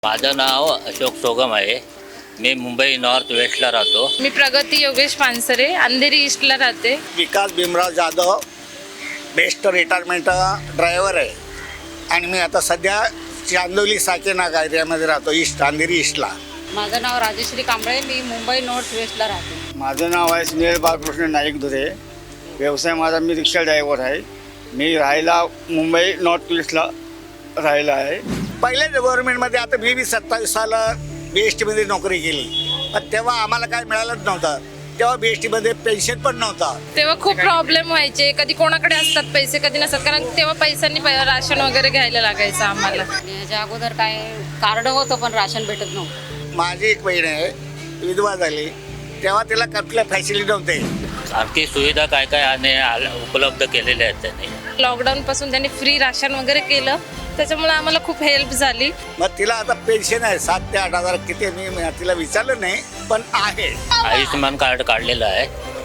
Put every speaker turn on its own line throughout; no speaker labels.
माझं नाव अशोक सोगम आहे. मी मुंबई नॉर्थ वेस्टला राहतो.
मी प्रगती योगेश पानसरे, अंधेरी ईस्टला राहते.
Vikas Bhimrao Jadhav, BEST retirement driver आहे आणि मी आता सध्या चांदोली साकेनाग एरियामध्ये राहतो, अंधेरी ईस्टला.
माझं नाव राजेश्री कांबळे, मी मुंबई नॉर्थ वेस्टला राहते.
माझं नाव आहे सुनील बाळकृष्ण नाईक धुरे. व्यवसाय माझा मी रिक्षा ड्रायव्हर आहे. मी राहायला मुंबई नॉर्थ वेस्टला राहिला आहे.
पहिल्या गव्हर्नमेंटमध्ये आता मी 27 साल BSTमध्ये नोकरी केली, पण तेव्हा आम्हाला काय मिळालंच नव्हतं. तेव्हा BSTमध्ये पेन्शन पण नव्हता.
तेव्हा खूप प्रॉब्लेम व्हायचे, कधी कोणाकडे असतात पैसे कधी नसतात, कारण तेव्हा पैशांनी राशन वगैरे घ्यायला लागायचं आम्हाला.
आणि याच्या अगोदर काय कार्ड होतं पण राशन भेटत नव्हतं.
माझी एक बहीण आहे, विधवा झाली, तेव्हा तिला कुठल्या फॅसिलिटी नव्हते.
आणखी सुविधा काय काय उपलब्ध केलेल्या आहेत त्यांनी.
लॉकडाऊन पासून त्यांनी फ्री राशन वगैरे केलं, त्याच्यामुळे आम्हाला खूप हेल्प झाली.
मग तिला आता पेन्शन आहे 7 ते 8 हजार किती, मी तिला विचारलं नाही, पण आहे.
आयुष्यमान कार्ड काढलेलं आहे.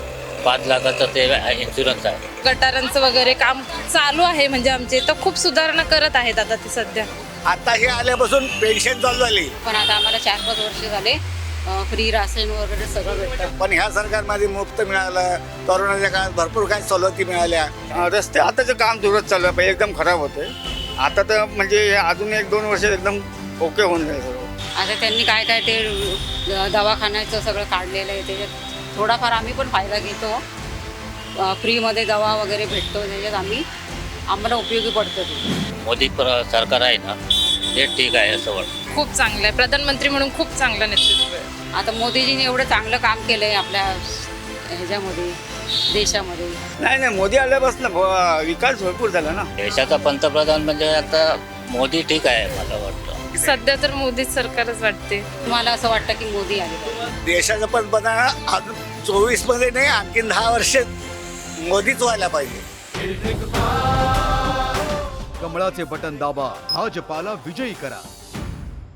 5 लाखाचं ते इन्शुरन्स आहे.
गटारांचं वगैरे काम चालू आहे, म्हणजे आमचे तर खूप सुधारणा करत आहेत आता ते सध्या.
आता हे आल्यापासून पेन्शन चालू झाली,
पण आता आम्हाला 4-5 वर्ष झाले फ्री राशन वगैरे सगळं भेटतं.
पण ह्या सरकारमध्ये मुफ्त मिळालं. कोरोनाच्या काळात भरपूर काही सवलती मिळाल्या.
रस्ते आताचं काम जोरात चालू आहे. पहिले एकदम खराब होते. आता तर म्हणजे अजून 1-2 वर्ष एकदम ओके होऊन जाईल सर्व.
आता त्यांनी काय काय ते दवाखान्याचं सगळं काढलेलं आहे, त्याच्यात थोडाफार आम्ही पण फायदा घेतो. फ्रीमध्ये दवा वगैरे भेटतो, त्याच्यात आम्हाला उपयोगी पडतं ते.
मोदी सरकार आहे ना, ते ठीक आहे असं वाटतं.
खूप चांगलं आहे, प्रधानमंत्री म्हणून खूप चांगलं नेतृत्व आहे.
आता मोदीजींनी एवढं चांगलं काम केलं आहे आपल्या ह्याच्यामध्ये, देशामध्ये.
नाही मोदी आल्यापासून विकास भरपूर झाला ना.
देशाचा पंतप्रधान म्हणजे आता मोदी ठीक आहे मला वाटतं.
सध्या तर मोदी सरकारच वाटते.
मला असं वाटतं की मोदी आले पाहिजे.
देशाचं पंतप्रधान अजून 24 मध्ये नाही, आणखीन 10 वर्ष मोदीच व्हायला पाहिजे.
कमळाचे बटन दाबा, भाजपाला विजयी करा.